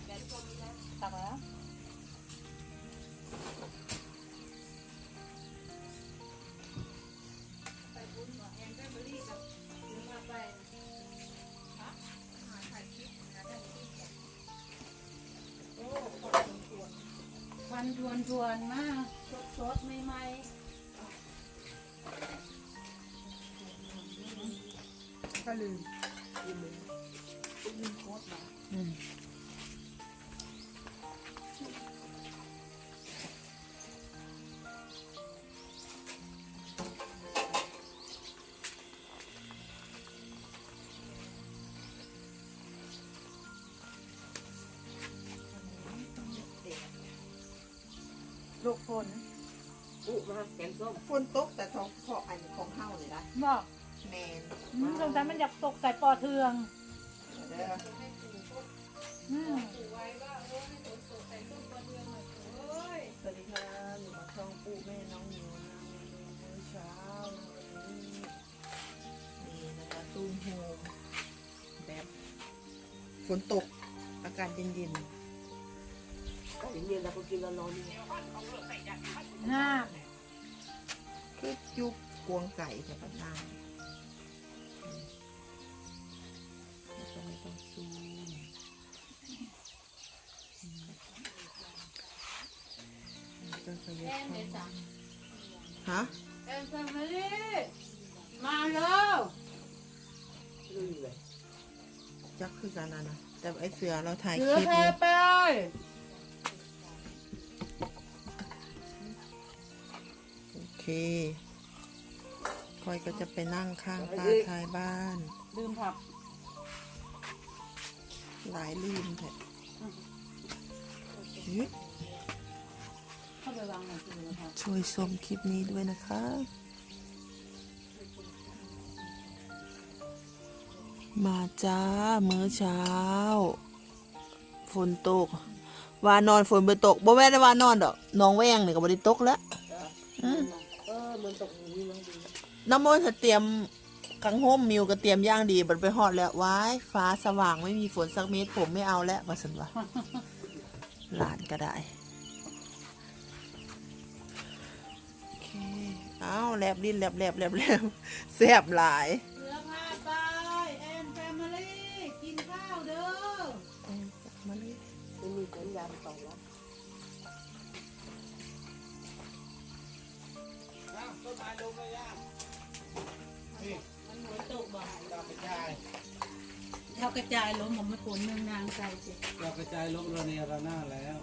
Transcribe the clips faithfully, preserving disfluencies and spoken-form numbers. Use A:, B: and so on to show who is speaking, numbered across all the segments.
A: ตักแล้วไปบุญกับแอนแฟมิลี่กับหรือมาไปฮะหาถ่ายคลิปนะถ่ายคลิปโอ้ควันทวนทวนมากสดสดใหม่ๆก็ลืมลืมลืมโคตรมาอืมลูกฝนอุมาแกงส้มฝนตกแต่ท้องเพาะอันของเฮาเลยนะบอกแมนสงสัยมันอยากตกใส่ปอเทืองเด้ออืมสวัสดีค่ะหนูมาช่องปู่แม่น้องหนูนะเมนูมื้อเช้าวันนี้นี่นะคะตุ้มโฮมแบบฝนตกอากาศเย็นๆก็เย็นๆแล้วก็กินร้อนๆนี่น่าคือจุกกวงไก่แต่ปัญหาแล้วก็ไม่ต้องซูมก็ขยับเข้าฮะแอนแฟมิลี่มาแล้วจักคือกันนะนะแต่ไอเสือเราถ่ายคลิปอยู่โอเคคอยก็จะไปนั่งข้างป้าท้ายบ้านลืมผักหลายลืมแท้ช่วยชมคลิปนี้ด้วยนะคะมาจ้ามื้อเช้าฝนตกวานอนฝนไปตกบ่แม่ได้วานอนดอกน้องแว้งนี่ก็บ่ได้ตกแล้วเออมันตกนี้น้ำมนต์เตรียมกังห่มมิวก็เตรียมย่างดีบัดไปฮอดแล้วว้ายฟ้าสว่างไม่มีฝนสักเม็ดผมไม่เอาแล้วว่าซั่นว่าหลานก็ได้โอเคอ้าวแลบดินแลบแลบแลบแลบแซ่บหลายเสือพาไปแอนแฟมิลี่กินข้าวเด้อแอนแฟมิลี่จะมีสัญญาณต่อแล้วต้นไม้ลงเลยย่ามันหัวตกบ่อยเรากระจายเรากระจายล้มผมไม่ฝนเมืองนางใจเจ็บ
B: เรากระจายล้มระเนระนาดแล้ว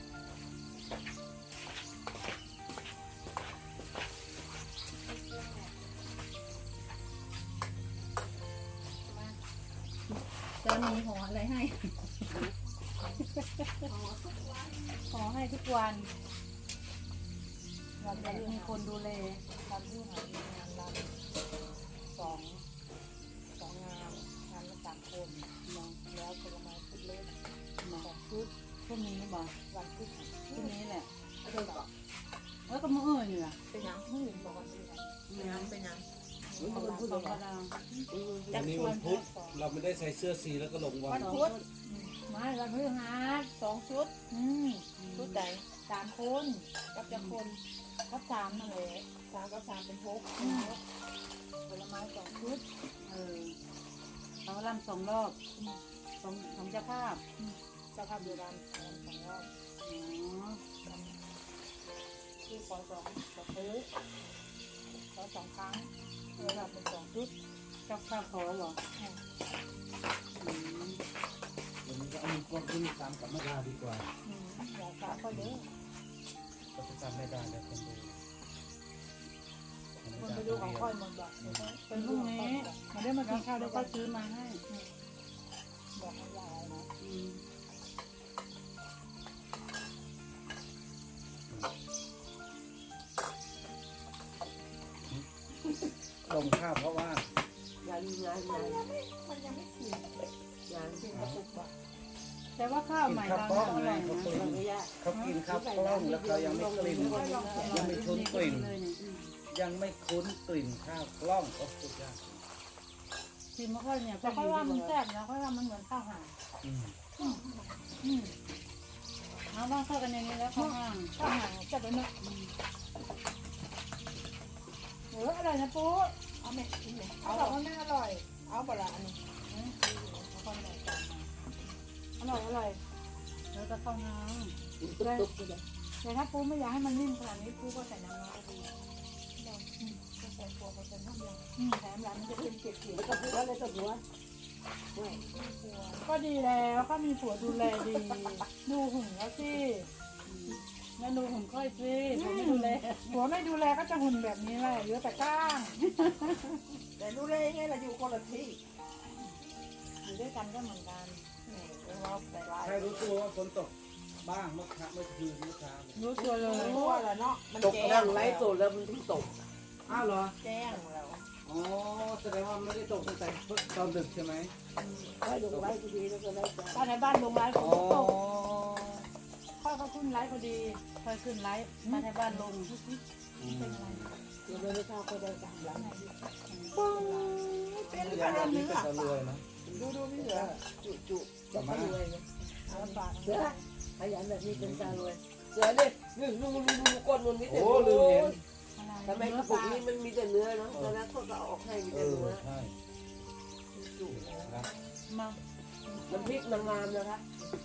A: จะมีห่ออะไรให้ห่อให้ทุกวันเราจะมีคนดูแลทำที่หางานเราสองสองงานงานละสามคนมองแล้วผลไม้ชุดเล็กมาชุดพวกนี้บอกวันชุดชุดนี้แหละแล้วก็มืออื่นล่ะเป็นยังมืออื่นบอกว่าเป็นยังเป็นยัง
B: วันนี้วันพุธเราไม่ได้ใส่เสื้อสีแล้วก็ลงวัน
A: วันพุธมาวันพฤหัสสองชุดอืมชุดใหญ่สามคนกับจะคนกับสามมาเลยสามกับสามเป็นหกผลไม้สองชุดเออเราลำสองรอบสองสองเจ้าภาพเจ้าภาพเดียวกันลำสองรอบอ๋อที่ขอสองขอซื้อขอสองครั้งเวลาเป็นสองชุดเจ้าภาพขอเหรอ
B: อืมวันนี้ก็เอาความขึ้นตามกับแม่ดาดีกว่า
A: อืมอยากฝากเขาเยอะ
B: ก็จะตามแม่ดาแล้วคนดู
A: คนไปดูของค่อยหมดบอกเป็นพรุ่งนี้มาได้มากินข้าวแล้วก็ซื้อมาให้บอกให้ยายนะ
B: ลงข้าวเพราะว่า
A: ยังยังยังมันยังไม่ถึงยังถึงกระปุกบ่แต่ว่าข้าวใหม่เราอร่อยนะ
B: เขากินข้าวกล้องแล้วเขายังไม่กลิ่นยังไม่คุ้นกลิ่นยังไม่คุ้นกลิ่นข้าวกล้องก็สุดยอด
A: ชิมไม่ค่อยเนี่ยแต่ค่อยว่ามันแซ่บนะค่อยว่ามันเหมือนข้าวห่า
C: อืมเอาต้องเข้ากันในนี้แล้วข้างล่าง
D: ข้าวหางจับไปเนาะเอออร่อยนะปู
A: เอาไหมกินไหม
D: เขา
A: เอา
D: บอกว่าไม่อร่อย
A: เอาปลาอันนี้
C: คนใหญ่กัน
D: อร่อยอร่อย
C: แล้วก็เข้าน้
B: ตุ๊บๆเลย
D: แต่ถ้าปูไม่อยากให้มันนิ่มขนาดนี้ปูก็ใส่น้ำร้อนก็ดี
A: ก็ใส่ตัวก็ใส่น้ำยา
D: อืมแถมร้านมันจะเป็นเกล็ด
E: แล้วก็พูดว่าอะไรกับหัวไม่
D: ๆก็ดีแล้วก็มีผัวดูแลดี ดูหุ่นแล้วสิ
C: ำแล้วดูหุ่นค่อยสิผมไม่ดูแล
D: ผัวไม่ดูแลก็จะหุ่นแบบนี้แหละเหลือแต่ก้าง
A: แต่รู้เลยไงเราอยู่คนละที่
C: อยู่ด้วยกันก็เหมือนกัน
A: นี่เราแต่ลาย
B: ใครรู้ตัวว่าฝนตกบ้างเมื่อคืนเมื่อคืนเมื่อเช้าเนี่ย
D: รู้ตัวเลย
A: รู้ว่าแล้วเนาะมัน
E: ตก
A: แจ้
E: นั่
A: ง
E: งไล
A: แล้ว
E: ฟ์สดแล้วมันถึงตก
B: อ้าวเหรอ
A: แจ้งแล้ว
B: อ๋อแสดงว่าไม่ได้ตกตั้งแต่ตอนดึกใช่ไหม
E: ไว้ลงไว้พอดีแล้วก็ไลฟ์จ้า
D: บ้านในบ้านลงไลฟ์ฝ
B: อ๋
D: น
B: อ
D: ตกค่อยเขาขึ้นไลฟ์พอดี
C: ค่อยขึ้นไลฟ์มาที่บ้านลง
B: อืม
E: เราไม่ทราบก็ได้สามหลัง
A: เป็น
B: อ
A: ข
B: ย่าง
A: นาด
B: นี้
A: นี้
B: เป็นตะรวยนะ
A: ดูดูพี่เหลือ
E: จุจุจะไม่รวยนะ
D: เอาปาก
E: เสือขยันแบบนี้เป็นตารวยเสือเนี่ยนี่ดูดูดูก้นมันมีแต่
B: โอ้ลืมเห็น
E: ทำไมกระปุกนี้มันมีแต่เนื้อเนาะตอนนั้นเขาก็เอาออกให้มี
B: เอ
E: แต่
B: อ
E: เนื้อ
B: ใช่
E: จุ
B: ครับ
C: มา
E: น้ำพริกนางงามนะคะ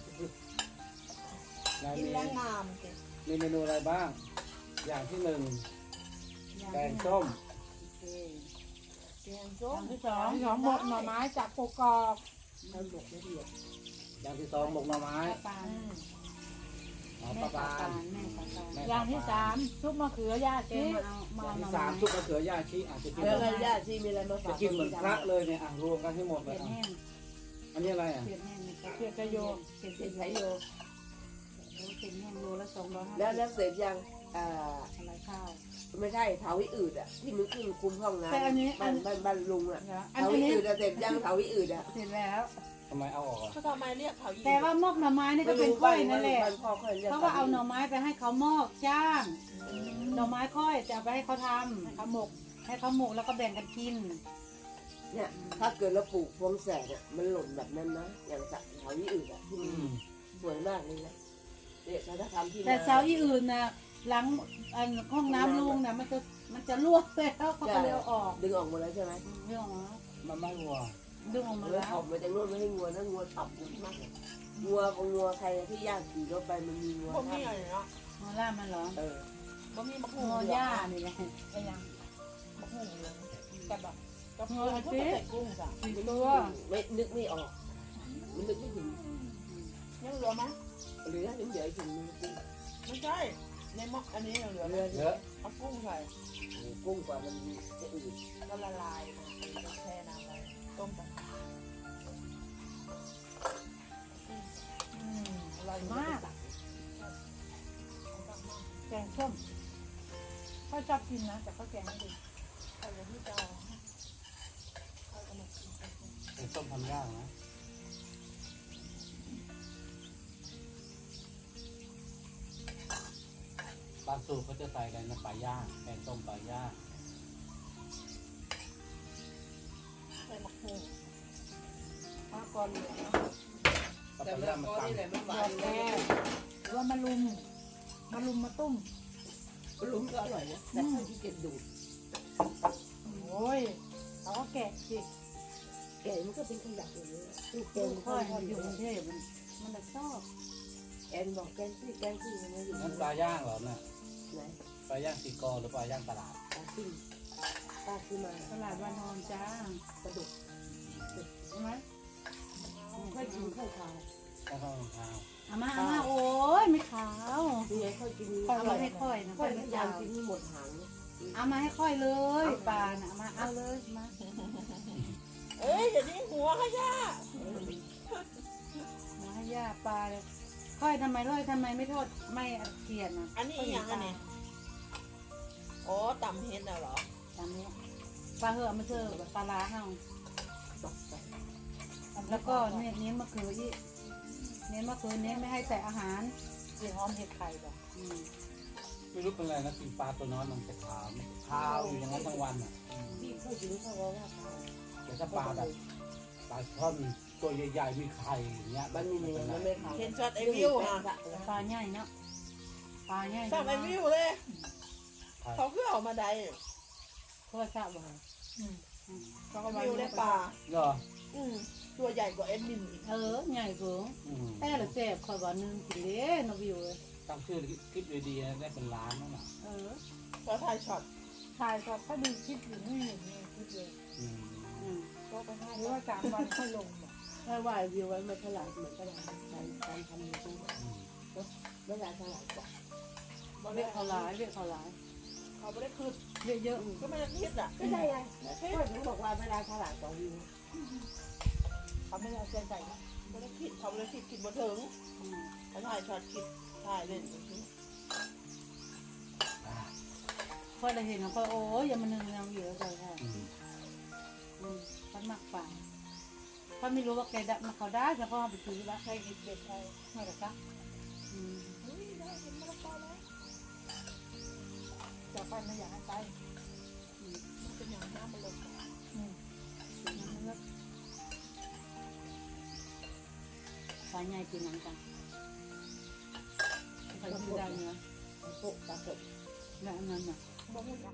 B: นาย
A: กิน
B: มี
A: แล้วงามสิ
B: มีเมนูอะไรบ้าง อย่างที่หนึ่งแกงส้ม
A: แกงส้ม
D: ที่สองสองบดหน่อไม้จากกกอก
E: ทำหมกละเอียด
B: อย่างที่สองหมกหน่อไม้
C: ปาน
B: อ๋อ
C: แม่
B: ปลา
C: ปา
B: บาน
C: นแม่ปาน
B: แม่
D: อย่างที่สามซุปมะเขือย่า
C: แก
D: ชี
C: มาเอามา
B: อย่าง
C: เอา
B: ที่
C: มา
B: สามซุปมะเขือย่าชีอาจจะกิน
E: แล้วก็ญาติที่มีอะไรมาฝา
B: จะ
E: ก
B: กินเหมือนพระเลยเนี่ยอ่ะรวมกันให้หมดเล
C: เผ็
B: ย
C: ด
B: อ่ะ
C: แห้ง
B: อันนี้อะไรอ่ะ
C: เผ็ดแห้งนี่
D: เพียกระโย
C: เผ็ด
E: เป็
C: เผ็
E: น
C: ด
E: ไทยโย
C: เผ็ดแห้งโลละสองร้อยห้า
E: แล้ว
C: สิ
E: แล้ว
C: บ
E: เสร็จยังอ่า
C: อะไรข้าว
E: ไม่ใช่เถาวิอืดอ่ะที่มันขึ้นคุมห้องน้ำ
D: แต่อันนี้อั
E: บ้าน นบ้านบ้านลุงอ่ะ
D: อัน
E: เถาวิ
D: นี้
E: อืดอะเสร็จยังเถาวิอืดอ่ะ
D: เสร็จแล้ว
B: ทำไมเอาออกอ่ะ
A: เขาทำไมเรียกเขาอีก
C: แต่ว่ามอกหน่อไม้นี่ก็เป็นค่อยนั่นแหละ
E: บ้านพ่อค่อยเรียก
C: เพราะว่าเอาหน่อไม้ไปให้เขามอกจ้างหน่อไม้ค่อยจะเอาไปให้เขาทำให้เขาหมก ให้เขาหมกแล้วก็แบ่งกันกิน
E: เนี่ยถ้าเกิดเราปลูกพวงแสกอ่ะมันหล่นแบบนั้นนะอย่างสักเถาวิอืดอ่ะที่
B: อื
E: มัน
B: ม
E: สวยมากเลยนะเนี่ยถ้าทำที่
C: แต่เสาอีอื่นนะหลังอันห้องน้ำลุงนะมันจะมันจะรั่วแล้วเขาก็เลยเอาออก
E: ดึงออกหมดแล้วใช่ไหม
C: เรื่องของ
B: มันไม่วัว
C: ดึงออกมา
E: มัน
C: แล้ว
E: ออกมาจากนู่นไม่ให้งัวนะงัวต่ำมากเลยงัวของงัวใครที่ย่างขี่รถไปมันมีงัว
A: บ่มี
E: ท่า
A: อะไรเนาะ
C: มาล่ามันเหรอ
E: เออ
A: บ่มีมะฮุ
C: ง
A: ง
C: อ
A: เหลื
C: หญ้า
A: อง
C: นี่ไง
A: ไอ้ยังมะฮุงเหลืองกับแบบกับเงยก็ใส่กุ้งจ้ะ
D: สี่ตัว
E: ไม่นึกไม่ออกมันนึกไม่ถึง
A: ยังเหลือไหม
E: หรือถ้าถึงเดี๋ยวถึงมือกุ้ง
A: ไม่ใช่ในหม้ออันนี้ยังเหลือไหม
E: เรือ
B: เยอะ
A: เอากุ้งใส่
E: กุ้งกว่ามันจะอืด
A: ก็ละลายมันแช่น้ำไว้ต้มไปอืมอร่อยมาก
D: แกงส้มเขาชอบกินนะแต่เขาแกงไม่ดี
A: ใส่ไปที่เตาเอากระหม่อมกินไป
B: เป็นส้มทำยากนะบางสูตรเขาจะใส่อะไรนะปลาย่างแกงส้มปลาย่าง
A: ใส่มะฮุง
D: มะกอนเหลือง
B: ปลา
E: แต่มะ
B: ย่าง
E: ละ
B: มัน
E: กอ
B: ตั
E: นี่แหละมันหวา
D: ยอน แกงหรือว่ามาลุมมาลุมมาตุ้ม
E: ลุ้มก็อร่อยนะแต่ถ้าที่เก็บดูด
D: โอ้ยเราก็แกะสิ
E: แกมันก็เป็นขยะอย่างนี้ลูกแก
C: ลู
E: ง
C: ก
E: ค่
C: ค่
E: อ
C: อย
E: ย
C: อยู่กรุงเทพมันมันจะชอบ
E: แอนบอกแกงซี่แกงซี่มันอยู่
B: นั่นปลาย่างเหรอน่ะ
E: ไหน
B: ปลาย่างตีกอหรือปลาย่างตลาด
E: ปลาซิ่งปลาซิ่งมา
C: ตลาดวันทองจ้า
E: ปลาดุก
C: ใช่ไหม
E: ค่อยกินข้าวขาว
B: ข้าวข้าวข้าว
C: อามาอามาโอ้ยไม่ขาว
E: นี่ไงค่อยกิน
C: ค่อยเอาให้ค่อยนะ
E: ค่
C: ค่
E: อ
C: อย ย
E: พ
C: ไม่
E: ยายาม
C: ยาว
E: กินให้หมดหาง
C: เอามาให้ค่อยเลยปลาน่ะเอามาเอาเลยมา
A: เอ้ยเดี๋ยวนี้หัวขยะ
C: มาให้ย่าปลาเลยค่อยทำไมค่อยทำไมไม่ทอดไม่เกลียดนะ
A: อันนี้อีกอย่างอันนี้โอ้ตำเห็ดน่ะเหรอ
C: ตามนี้ปลาเหอะมาเจอปลาล้าเฮา
E: บอกไป
C: แล้วก็เน้นเน้นมะเขืออีกเน้นมะเขือเน้นไม่ให้ใส่อาหาร
D: สีหอมเห็ดไข่แบบ
C: อืม
B: ไม่รู้เป็นไรนะกินปลาตัวน้อยมันจะขาวขาวอยู่อย่างนั้นทั้งวันอ่ะอืม
E: พี่พูดถึงเขาว่าว่าขาว
B: แต่ถ้าปลาแบบปลาช่อนตัวใหญ่ๆมีไข่อย่างเงี้ย
E: มันมีเนื้อมันไม่ขาว
A: เห็นช็อตไอวิวค่ะ
C: ปลาใหญ่เนาะปลาใหญ่
A: ช็อตไอวิวเลย เขาคือออกมาได้
C: เพื่อทราบว่า
A: เขาก็วิวได้ปลา
B: เหรอ
A: อืมตัวใหญ่กว่าเอ็ดมินอีก
C: เออใหญ่เกิน
B: อืม
C: แต่ละแซ่บคอยว่านึงกินเด้นวิวเลย
B: ตั้งชื่อคลิปดีๆได้เป็นล้านนั่นน่ะ
C: เออ
A: เพราะถ่ายช็อต
D: ถ่ายก็เขาดูคลิปอยู่ไม่เห็นมีคลิปเลย
B: อืม
C: อืม
A: ก็ไปให้
D: หรือว่าสามวันค่อยลงบอก
E: ถ้าว่าวิวไว้มันฉลาดเหมือนกันการการทำยูทูบ
B: อืม
E: ไม่ได้ฉลาดกว่า
C: เรียกเขาหลายเรียกเขาหลาย
A: เขาไม่ได้คืน
C: เรียกเยอะ
A: ก็ไม่ได้คิดอ่ะ
E: ก็ได้ไงก็ถึงบอกว่าเวลาฉลาดกว่าวิว
A: เขาไม่ได้เอาใจใส่นะไม่ได้คิดเขาไม่ได้คิดคิดมาถึง
C: อืม
A: เขาถ่ายช็อตคิดถ่ายเล่น
B: อ่า
C: พอเราเห็นเขาโอ้ยอย่ามานึงยังอยู่แล้วใจค่ะ
B: อืม
C: อืมเขาหมักป่าถ้าไม่รู้ว่าแกดัมาเขาได้แล้วก็เอาไปซื้อละ
A: ใครกินเด็ดใคร
C: ไม่หรอกคะอืม
A: เฮ้ยได้เห็นมะละกอแล้ว
D: จะไปไม่อยากให้ไป
A: มันเป็นอย่างน้ำมะละกอ
C: ปลาใหญ่กินหนังกันใครซื้อได้เนื้อ
E: พวกตาเกิด
C: และอันนั้นน่ะ
A: บอกให้